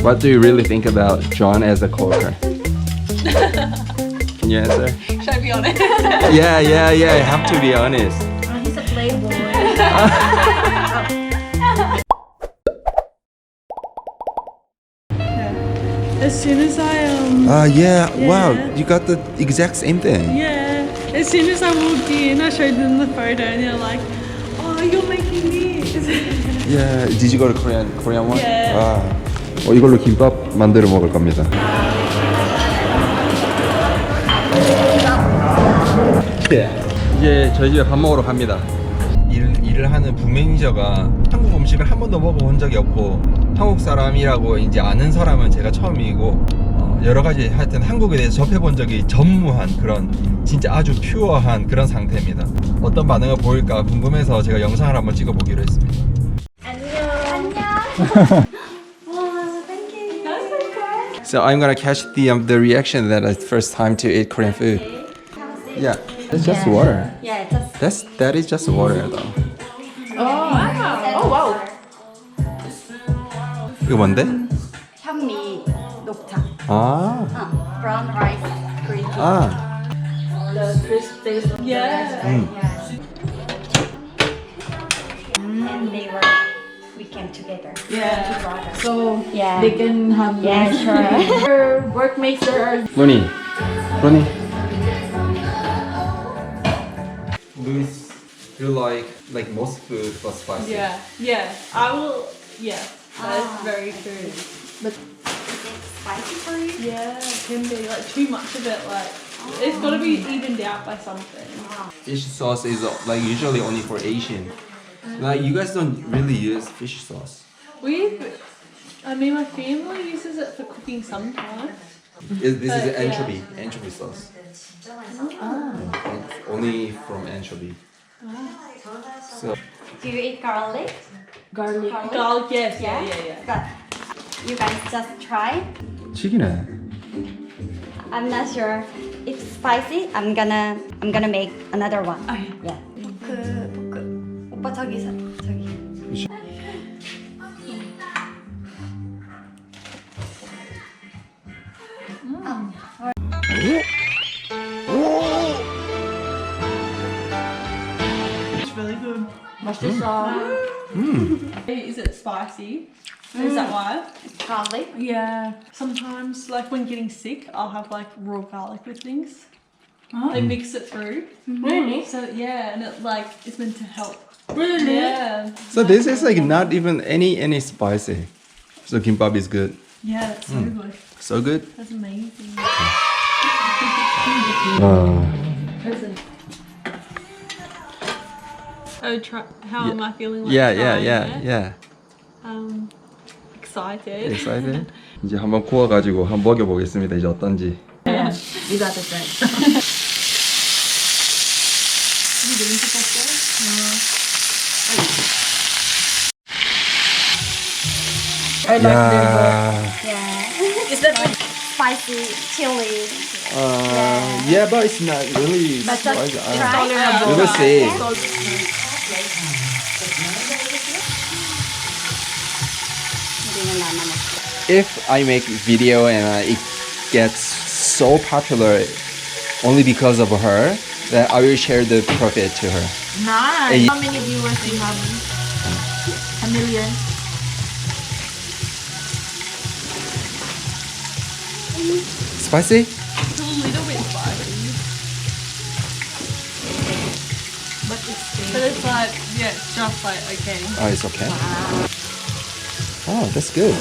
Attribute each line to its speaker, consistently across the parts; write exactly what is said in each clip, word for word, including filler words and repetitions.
Speaker 1: What do you really think about John as a coworker? Can you answer?
Speaker 2: Should I be honest?
Speaker 1: Yeah, yeah, yeah. You have to be honest.
Speaker 3: Oh, he's a playboy.
Speaker 2: As soon as I um
Speaker 1: Uh, yeah.
Speaker 2: Yeah.
Speaker 1: Wow, you got the exact same thing.
Speaker 2: yeah, as soon as I walked in, I showed them the photo, and they're like, "Oh, you're making this."
Speaker 1: Yeah. Did you go to Korean Korean one?
Speaker 2: Yeah.
Speaker 1: 아, 어, 이걸로 김밥 만들어 먹을 겁니다. 예. 이제 저희 집에 밥 먹으러 갑니다. 일, 일을 하는 북매니저가 한국 음식을 한 번도 먹어본 적이 없고 한국 사람이라고 이제 아는 사람은 제가 처음이고 어, 여러 가지 하여튼 한국에 대해서 접해본 적이 전무한 그런 진짜 아주 퓨어한 그런 상태입니다. 어떤 반응을 보일까 궁금해서 제가 영상을 한번 찍어보기로 했습니다. So I'm gonna catch the um, the reaction that it's first time to eat Korean food. Yeah, it's just water.
Speaker 3: Yeah, just
Speaker 1: That's that is just water though.
Speaker 2: Oh wow!
Speaker 1: 이거 뭔데?
Speaker 3: 현미 녹차.
Speaker 1: 아,
Speaker 3: 어, brown rice, green tea.
Speaker 1: 아,
Speaker 3: The crisp taste of
Speaker 2: Yeah.
Speaker 3: the rice. Yeah. And they were, we came together.
Speaker 2: Yeah.
Speaker 3: Two brothers.
Speaker 2: So
Speaker 3: Yeah.
Speaker 2: they can have
Speaker 3: Yeah, sure.
Speaker 2: Your workmates are
Speaker 1: 로니, 로니. Louis, you like like most food but spicy.
Speaker 2: yeah, yeah. I will. Yeah, that's
Speaker 3: Ah.
Speaker 2: very true. But
Speaker 3: Is it spicy for you?
Speaker 2: yeah, it can be like too much of it. Like it's got to be evened out by something.
Speaker 1: Fish sauce is uh, like usually only for Asian. Like you guys don't really use fish sauce.
Speaker 2: We, I mean, my family uses it for cooking sometimes.
Speaker 1: Is this is
Speaker 2: But, yeah.
Speaker 1: anchovy, anchovy sauce. It's only from anchovy. So
Speaker 3: Do you eat garlic?
Speaker 2: Garlic.
Speaker 3: Garlic?
Speaker 2: Garlic, yes, yeah, yeah, yeah.
Speaker 3: But you guys just try.
Speaker 1: 튀기네.
Speaker 3: I'm not sure if spicy. I'm gonna I'm gonna make another one.
Speaker 2: Oh, yeah.
Speaker 3: Yeah. 포크 포크. 오빠 저기 서 저기.
Speaker 2: It's really good.
Speaker 3: 맛있어.
Speaker 2: Is it spicy? Is that why?
Speaker 3: Garlic.
Speaker 2: Yeah. Sometimes, like when getting sick, I'll have like raw garlic with things. They mix it through.
Speaker 3: Really?
Speaker 2: So yeah, and it like it's meant to help.
Speaker 3: Really?
Speaker 2: Yeah.
Speaker 1: So this is like not even any any spicy. So kimbap is good.
Speaker 2: Yeah, that's so good.
Speaker 1: So good.
Speaker 2: That's amazing.
Speaker 1: Uh,
Speaker 2: Present. Oh, try. How am I feeling? Like
Speaker 1: yeah, yeah,
Speaker 2: trying
Speaker 1: yeah,
Speaker 2: it?
Speaker 1: yeah.
Speaker 2: Um, excited.
Speaker 1: Excited? 이제 한번 구워가지고 한번 먹여보겠습니다. 이제 어떤지.
Speaker 3: You got it right.
Speaker 2: You doing it
Speaker 3: I like
Speaker 1: Yeah.
Speaker 3: Yeah. Is that spicy chili?
Speaker 1: Uh, yeah, but it's not really
Speaker 3: But just
Speaker 1: spicy. Uh,
Speaker 3: try.
Speaker 1: We will see.
Speaker 3: 우리는 안 먹어.
Speaker 1: If I make video and uh, it gets so popular only because of her, then I will share the profit to her.
Speaker 3: Nice.
Speaker 1: Eh,
Speaker 3: How many viewers do you have? A million.
Speaker 1: Spicy?
Speaker 2: It's a little bit spicy.
Speaker 3: But it's
Speaker 2: But it's like, yeah, it's just like, okay.
Speaker 1: Oh, it's okay. Oh, that's good.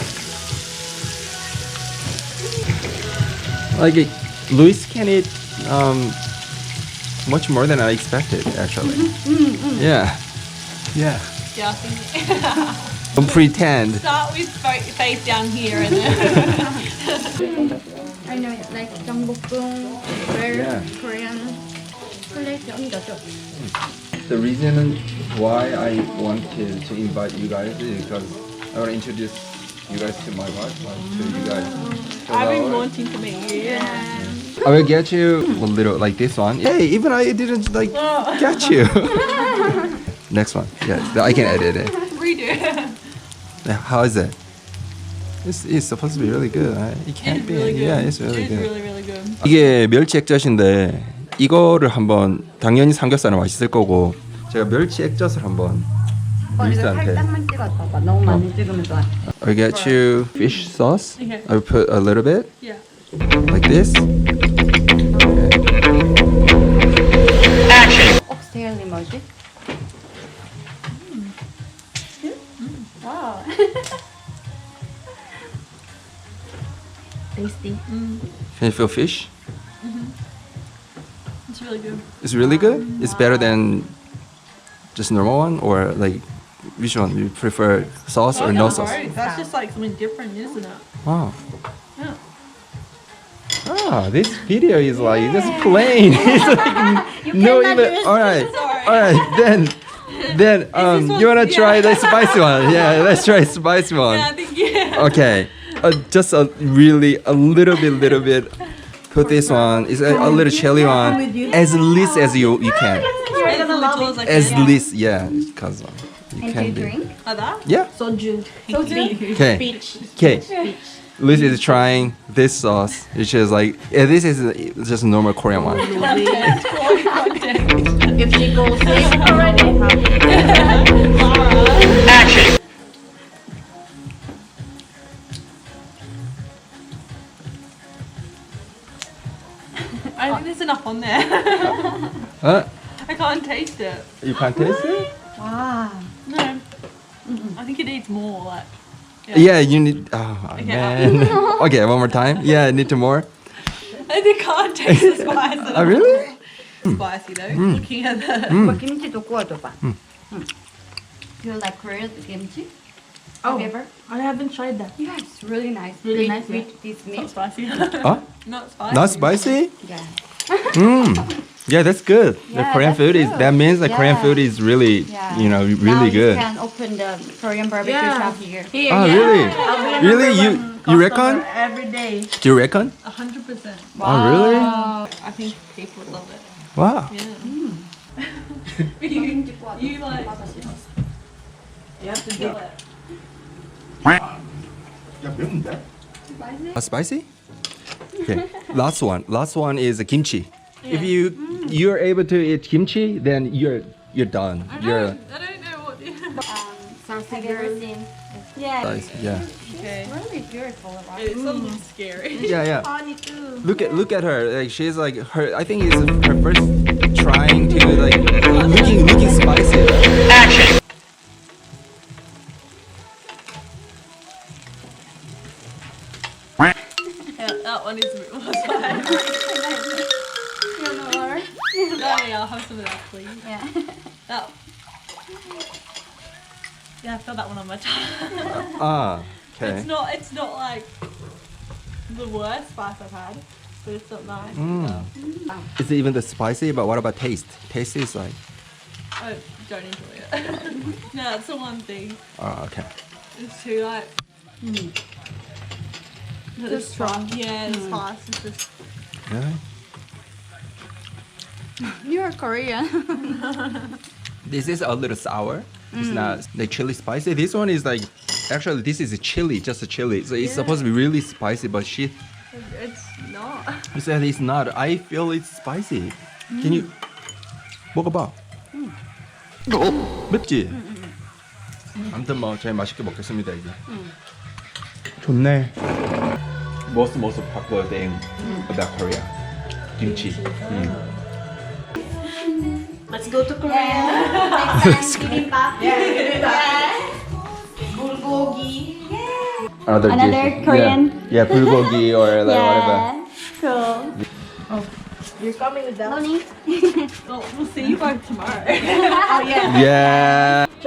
Speaker 1: Like, it, Luis can eat um, much more than I expected, actually. Yeah. Yeah.
Speaker 2: Yeah, I think
Speaker 1: Don't pretend.
Speaker 2: start with fa- face down here and then.
Speaker 3: I know, like Gyeongbokgung, where
Speaker 1: Yeah.
Speaker 3: Korean plate 옮겨줘.
Speaker 1: The reason why I wanted to invite you guys is because I want to introduce you guys to my wife, like, to you guys. So
Speaker 2: I've been
Speaker 1: that-
Speaker 2: wanting to meet you.
Speaker 1: I will get you a little like this one. Hey, even I didn't like get you. Next one. Yeah, I can edit it.
Speaker 2: Redo.
Speaker 1: Yeah, how is it? It's, it's supposed to be really good. Right? It can't
Speaker 2: It's
Speaker 1: be.
Speaker 2: really good.
Speaker 1: Yeah, it's really
Speaker 2: It's
Speaker 1: good.
Speaker 2: really, really good.
Speaker 1: 이게 멸치 액젓인데 이거를 한번 당연히 삼겹살은 맛있을 거고 제가 멸치 액젓을 한번
Speaker 3: 어, 이거
Speaker 1: 루이스한테
Speaker 3: 살짝만 찍어 봐봐. 너무 많이 찍으면 좋아.
Speaker 1: I get you fish sauce.
Speaker 2: Okay.
Speaker 1: I put a little bit
Speaker 2: Yeah.
Speaker 1: like this.
Speaker 3: 옥스테일이 뭐지? 와우. Tasty.
Speaker 1: Can you feel fish?
Speaker 2: It's really good.
Speaker 1: It's really good. It's better than just normal one, or like which one you prefer, sauce or no sauce?
Speaker 2: That's just like something different, isn't it?
Speaker 1: Wow.
Speaker 2: Yeah.
Speaker 1: Ah, this video is like just plain. It's like no
Speaker 3: cannot
Speaker 1: even.
Speaker 3: use
Speaker 1: All right,
Speaker 2: Sorry.
Speaker 1: all right. Then, then um,
Speaker 2: one-
Speaker 1: you wanna try
Speaker 2: yeah.
Speaker 1: the spicy one? Yeah, let's try spicy one.
Speaker 2: Yeah, I think yeah.
Speaker 1: Okay, uh, just a really a little bit, little bit. Put this one. It's a, a little chili one, as least as you you can.
Speaker 2: As little as I
Speaker 1: As
Speaker 2: can.
Speaker 1: least, yeah, because um, you
Speaker 3: And do
Speaker 1: can
Speaker 3: you
Speaker 1: be.
Speaker 3: drink?
Speaker 2: Like that?
Speaker 1: Yeah.
Speaker 2: Soju.
Speaker 3: Soju?
Speaker 1: Okay.
Speaker 2: Beach.
Speaker 1: Okay. Lucy is trying this sauce, which is like yeah, this is uh, just a normal Korean one.
Speaker 3: If she goes sick already.
Speaker 2: I think there's enough on there.
Speaker 1: Huh?
Speaker 2: I can't taste it.
Speaker 1: You can't taste it?
Speaker 3: 와.
Speaker 2: No. I think it needs more. Like.
Speaker 1: Yeah, you need. Oh
Speaker 2: Okay.
Speaker 1: man. Okay, one more time. Yeah, I need to more.
Speaker 2: I think I can't taste the spice. at
Speaker 1: Oh
Speaker 2: all.
Speaker 1: really?
Speaker 2: Spicy though. Looking at the.
Speaker 3: 오빠 김치도 구워줘봐. 응. You like grilled kimchi?
Speaker 4: Oh.
Speaker 3: Have you ever?
Speaker 4: I haven't tried that.
Speaker 3: Yeah, it's really nice.
Speaker 4: Really
Speaker 3: with,
Speaker 4: nice, yeah.
Speaker 3: With this
Speaker 2: Not
Speaker 3: meat.
Speaker 2: spicy.
Speaker 1: Huh?
Speaker 2: Not spicy.
Speaker 1: Not spicy?
Speaker 3: Yeah.
Speaker 1: Mm. Yeah, that's good. the
Speaker 3: Yeah,
Speaker 1: Korean
Speaker 3: that's
Speaker 1: food is
Speaker 3: good.
Speaker 1: that means the Korean
Speaker 3: Yeah.
Speaker 1: food is really
Speaker 3: Yeah.
Speaker 1: you know
Speaker 3: Now
Speaker 1: really
Speaker 3: you
Speaker 1: good.
Speaker 3: can open the Korean barbecue
Speaker 4: Yeah.
Speaker 3: shop here.
Speaker 4: Here,
Speaker 1: Oh
Speaker 4: yeah.
Speaker 1: really?
Speaker 4: I'll be a
Speaker 1: Really?
Speaker 4: number
Speaker 1: You
Speaker 4: one
Speaker 1: you reckon?
Speaker 4: customer every day.
Speaker 1: Do you reckon?
Speaker 2: A hundred percent.
Speaker 1: Oh really?
Speaker 2: I think people would love it.
Speaker 1: Wow.
Speaker 2: Yeah. you, you like. You have to do it.
Speaker 1: Uh, spicy? Okay. Last one. Last one is kimchi. If you you're able to eat kimchi, then you're you're done. You're
Speaker 2: I don't know what.
Speaker 3: Um, have you ever seen? Yeah.
Speaker 1: nice. Yeah.
Speaker 2: Okay.
Speaker 3: It's really beautiful, right?
Speaker 2: It's a little scary.
Speaker 1: Yeah, yeah.
Speaker 4: Honey too.
Speaker 1: Look at look at her. Like she's like her. I think it's her first trying to like looking looking spicy. Action.
Speaker 2: Yeah, that one is a bit more spicy.
Speaker 3: You know what?
Speaker 2: No, yeah, I'll have some of that, please.
Speaker 3: Yeah.
Speaker 2: That. Yeah, I felt that one on my tongue.
Speaker 1: Ah.
Speaker 2: It's
Speaker 1: Okay.
Speaker 2: not. It's not like the worst spice I've had, but it's not nice.
Speaker 1: Mm. It's even the spicy, but what about taste? Taste is like.
Speaker 2: I don't enjoy it. No, that's the one thing.
Speaker 1: Oh, okay.
Speaker 2: It's too like. Too strong. Yeah, the spice is just.
Speaker 1: Really?
Speaker 3: You're Korean.
Speaker 1: This is a little sour. It's not the chili spicy. This one is like, actually, this is a chili, just a chili. So it's supposed to be really spicy, but she,
Speaker 2: It's not.
Speaker 1: she said it's not. I feel it's spicy. Can you 먹어봐? 맵지? 아무튼 뭐 저희 맛있게 먹겠습니다 이제. 좋네. Most most popular thing about Korea, kimchi. 음.
Speaker 4: Let's go to Korea.
Speaker 3: Next time, bibimbap. Yeah.
Speaker 4: Bulgogi.
Speaker 1: Another,
Speaker 3: Another
Speaker 1: dish.
Speaker 3: Korean.
Speaker 1: Yeah, yeah bulgogi or like whatever.
Speaker 3: Yeah. Cool.
Speaker 4: You're coming with that?
Speaker 3: Honey.
Speaker 2: Well, we'll see you both tomorrow.
Speaker 4: Oh yeah.
Speaker 1: Yeah.